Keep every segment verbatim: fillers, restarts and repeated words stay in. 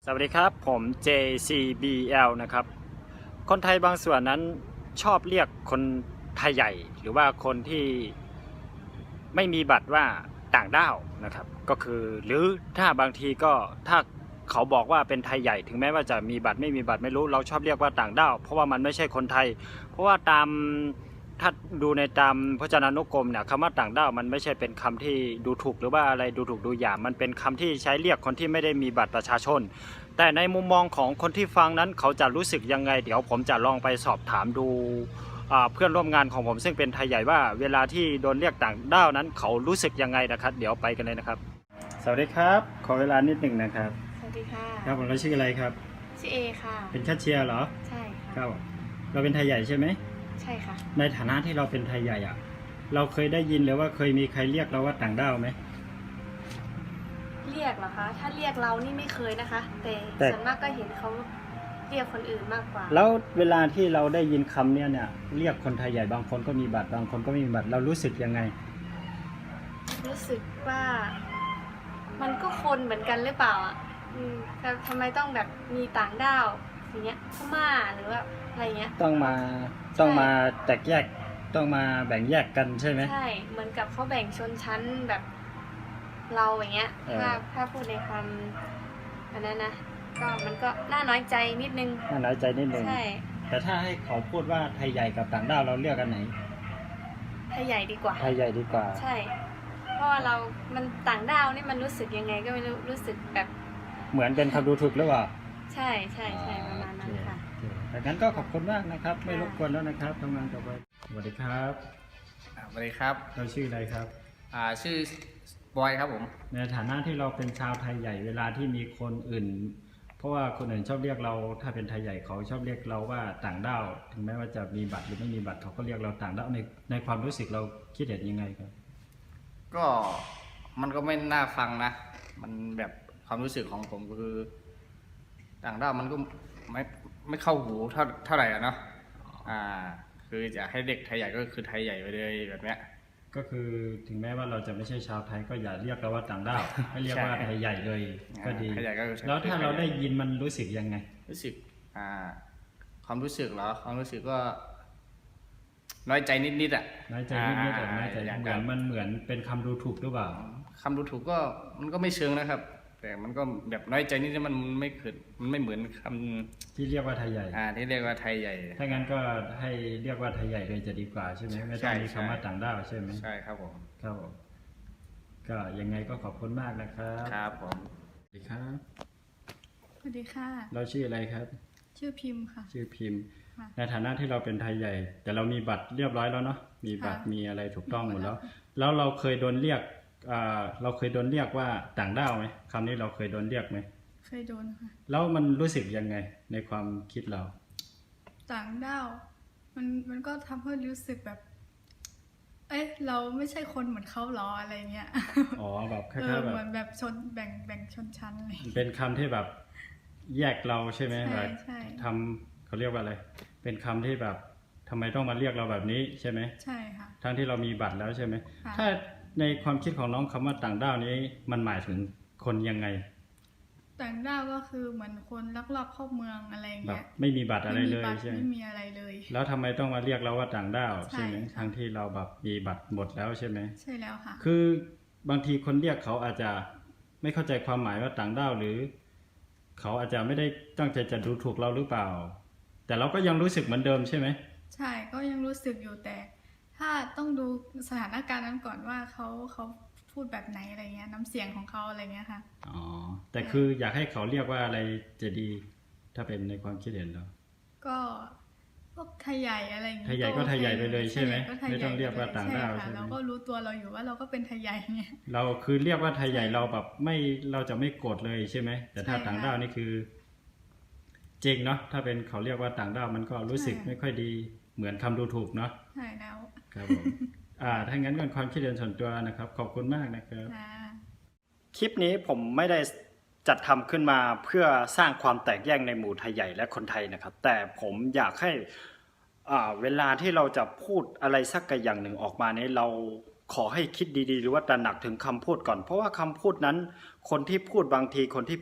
สวัสดีครับผม เจ ซี บี แอล นะครับคนไทยบางส่วนนั้นชอบเรียกคนไทยใหญ่หรือว่าคนที่ไม่มีบัตรว่าต่างด้าวนะครับก็คือหรือถ้าบางทีก็ถ้าเขาบอกว่าเป็นไทยใหญ่ถึงแม้ว่าจะมีบัตรไม่มีบัตรไม่รู้เราชอบเรียกว่าต่างด้าวเพราะว่ามันไม่ใช่คนไทยเพราะว่าตามถ้าดูในตามพจนานุกรมเนี่ยคำว่าต่างด้าวมันไม่ใช่เป็นคำที่ดูถูกหรือว่าอะไรดูถูกดูหยามมันเป็นคำที่ใช้เรียกคนที่ไม่ได้มีบัตรประชาชนแต่ในมุมมองของคนที่ฟังนั้นเขาจะรู้สึกยังไงเดี๋ยวผมจะลองไปสอบถามดูเพื่อนร่วมงานของผมซึ่งเป็นไทยใหญ่ว่าเวลาที่โดนเรียกต่างด้าวนั้นเขารู้สึกยังไงนะครับเดี๋ยวไปกันเลยนะครับสวัสดีครับขอเวลานิดหนึ่งนะครับสวัสดีค่ะครับผมเราชื่ออะไรครับชื่อเอค่ะเป็นแคชเชียร์เหรอใช่ค่ะครับเราเป็นไทยใหญ่ใช่ไหมใช่ค่ะในฐานะที่เราเป็นไทยใหญ่อะเราเคยได้ยินหรือว่าเคยมีใครเรียกเราว่าต่างด้าวไหมเรียกเหรอคะถ้าเรียกเรานี่ไม่เคยนะคะแต่ส่วนมากก็เห็นเขาเรียกคนอื่นมากกว่าแล้วเวลาที่เราได้ยินคำเนี้ยเนี่ยเรียกคนไทยใหญ่บางคนก็มีบัตรบางคนก็ไม่มีบัตรเรารู้สึกยังไงรู้สึกว่ามันก็คนเหมือนกันหรือเปล่าอ่ะอืมแต่ทำไมต้องแบบมีต่างด้าวอย่างเงี้ยพม่าหรือว่าอะไรเงี้ยต้องมาต้องมาแตกแยกต้องมาแบ่งแยกกันใช่ไหมใช่เหมือนกับเขาแบ่งชนชั้นแบบเราอย่างเงี้ยถ้าถ้าพูดในความอันนั้นนะก็มันก็น่าน้อยใจนิดนึงน่าน้อยใจนิดนึงใช่แต่ถ้าให้เขาพูดว่าไทยใหญ่กับต่างด้าวเราเลือกกันไหนไทยใหญ่ดีกว่าไทยใหญ่ดีกว่าใช่เพราะว่าเรามันต่างด้าวนี่มันรู้สึกยังไงก็ไม่รู้รู้สึกแบบเหมือนเป็นคำดูถูกหรือเปล่าใช่ใช่ใช่ประมาณนั้นค่ะแต่งั้นก็ขอบคุณมากนะครับไม่รบกวนแล้วนะครับทำงานต่อไปสวัสดีครับสวัสดีครับเราชื่ออะไรครับอ่าชื่อบอยครับผมในฐานะที่เราเป็นชาวไทยใหญ่เวลาที่มีคนอื่นเพราะว่าคนอื่นชอบเรียกเราถ้าเป็นไทยใหญ่เขาชอบเรียกเราว่าต่างด้าวถึงแม้ว่าจะมีบัตรหรือไม่มีบัตรเขาก็เรียกเราต่างด้าวในในความรู้สึกเราคิดเห็นยังไงครับก็มันก็ไม่น่าฟังนะมันแบบความรู้สึกของผมก็คือต่างด้าวมันก็ไม่ไม่เข้าหูเท่าเท่าไหร่อะเนาะอ่าคือจะให้เด็กไทยใหญ่ก็คือไทยใหญ่ไปเลยแบบเนี้ยก็คือถึงแม้ว่าเราจะไม่ใช่ชาวไทยก็อย่าเรียกเราว่าต่างด้าวให้เรียกว่าไทยใหญ่เลยก็ดีแล้วถ้าเราได้ยินมันรู้สึกยังไงรู้สึกอ่าความรู้สึกเหรอความรู้สึกก็น้อยใจนิดๆอ่ะน้อยใจนิดๆแต่น้อยใจเหมือนมันเหมือนเป็นคำดูถูกหรือเปล่าคำดูถูกก็มันก็ไม่เชิงนะครับแต่มันก็แบบน้อยใจนิดๆมันไม่เกิดมันไม่เหมือนคำที่เรียกว่าไทยใหญ่อ่าที่เรียกว่าไทยใหญ่ถ้างั้นก็ให้เรียกว่าไทยใหญ่เลยจะดีกว่าใช่ไหมไม่ต้องมีคำว่าต่างด้าวใช่ไหมใช่ครับผมครับผมก็ยังไงก็ขอบคุณมากนะครับครับผมสวัสดีครับสวัสดีค่ะเราชื่ออะไรครับชื่อพิมพ์ค่ะชื่อพิมพ์ในฐานะที่เราเป็นไทยใหญ่แต่เรามีบัตรเรียบร้อยแล้วเนาะมีบัตรมีอะไรถูกต้องหมดแล้วแล้วเราเคยโดนเรียกเราเคยโดนเรียกว่าต่างด้าวไหมคำนี้เราเคยโดนเรียกไหมเคยโดนค่ะแล้วมันรู้สึกยังไงในความคิดเราต่างด้าวมันมันก็ทำให้รู้สึกแบบเอ๊ะเราไม่ใช่คนเหมือนเขาหรออะไรเงี้ยอ๋อแบบคล้ายๆแบบเหมือนแบบชนแบ่งแบ่งชนชั้นเลยเป็นคำที่แบบแยกเราใช่ไหมแบบใช่ทำเขาเรียกว่าอะไรเป็นคำที่แบบทำไมต้องมาเรียกเราแบบนี้ใช่ไหมใช่ค่ะทั้งที่เรามีบัตรแล้วใช่ไหมถ้าในความคิดของน้องคำว่าต่างด้าวนี้มันหมายถึงคนยังไงต่างด้าวก็คือเหมือนคนลักลอบเข้าเมืองอะไรเงี้ยไม่มีบัตรอะไรเลยใช่ไหมไม่มีอะไรเลยแล้วทำไมต้องมาเรียกเราว่าต่างด้าวใช่ไหมทั้งที่เราแบบมีบัตรหมดแล้วใช่ไหมใช่แล้วค่ะคือบางทีคนเรียกเขาอาจจะไม่เข้าใจความหมายว่าต่างด้าวหรือเขาอาจจะไม่ได้ตั้งใจจะดูถูกเราหรือเปล่าแต่เราก็ยังรู้สึกเหมือนเดิมใช่ไหมใช่ก็ยังรู้สึกอยู่แต่ถ้าต้องดูสถานการณ์นั้นก่อนว่าเขาเขาพูดแบบไหนอะไรเงี้ยน้ำเสียงของเขาอะไรเงี้ยค่ะอ๋อแต่คืออยากให้เขาเรียกว่าอะไรจะดีถ้าเป็นในความคิดเห็นเราก็พวกไทยใหญ่อะไรอย่างเงี้ยไทยใหญ่ก็ไทยใหญ่ไปเลยใช่ไหมไม่ต้องเรียกว่าต่างด้าวใช่ไหมเราก็รู้ตัวเราอยู่ว่าเราก็เป็นไทยใหญ่ไงเราคือเรียกว่าไทยใหญ่เราแบบไม่เราจะไม่โกรธเลยใช่ไหมแต่ถ้าต่างด้าวนี่คือจริงเนาะถ้าเป็นเขาเรียกว่าต่างด้าวมันก็รู้สึกไม่ค่อยดีเหมือนคำดูถูกเนาะใช่แล้วครับผมอ่าถ้างั้นก็ความคิดเห็นส่วนตัวนะครับขอบคุณมากนะครับคลิปนี้ผมไม่ได้จัดทำขึ้นมาเพื่อสร้างความแตกแยกในหมู่ไทยใหญ่และคนไทยนะครับแต่ผมอยากให้อ่าเวลาที่เราจะพูดอะไรสักอย่างหนึ่งออกมานี้เราขอให้คิดดีๆหรือว่าตระหนักถึงคำพูดก่อนเพราะว่าคำพูดนั้นคนที่พูดบางทีคนที่พูด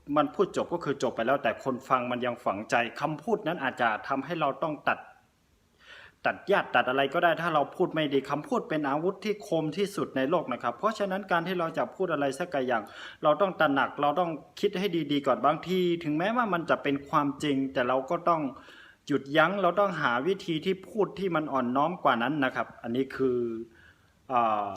มันพูดจบก็คือจบไปแล้ว แต่คนฟังมันยังฝังใจคำพูดนั้นอาจจะทำให้เราต้องตัด ตัดญาติตัดอะไรก็ได้ถ้าเราพูดไม่ดีคำพูดเป็นอาวุธที่คมที่สุดในโลกนะครับ เพราะฉะนั้นการที่เราจะพูดอะไรสักอย่าง เราต้องตระหนักเราต้องคิดให้ดีๆก่อนบางทีถึงแม้ว่ามันจะเป็นความจริง แต่เราก็ต้องหยุดยั้งเราต้องหาวิธีที่พูดที่มันอ่อนน้อมกว่านั้นนะครับ อันนี้คืออ่า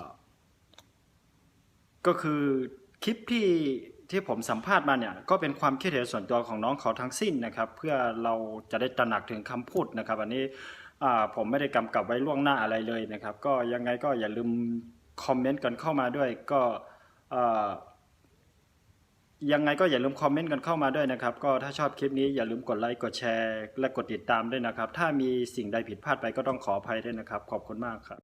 ก็คือคลิปที่ที่ผมสัมภาษณ์มาเนี่ยก็เป็นความคิดเห็นส่วนตัวของน้องเขาทั้งสิ้นนะครับ เพื่อเราจะได้ตระหนักถึงคำพูดนะครับ อันนี้อ่าผมไม่ได้กำกับไว้ล่วงหน้าอะไรเลยนะครับ ก็ยังไงก็อย่าลืมคอมเมนต์กันเข้ามาด้วยก็อ่ายังไงก็อย่าลืมคอมเมนต์กันเข้ามาด้วยนะครับ ก็ถ้าชอบคลิปนี้อย่าลืมกดไลค์กดแชร์และกดติดตามด้วยนะครับ ถ้ามีสิ่งใดผิดพลาดไปก็ต้องขออภัยด้วยนะครับ ขอบคุณมากครับ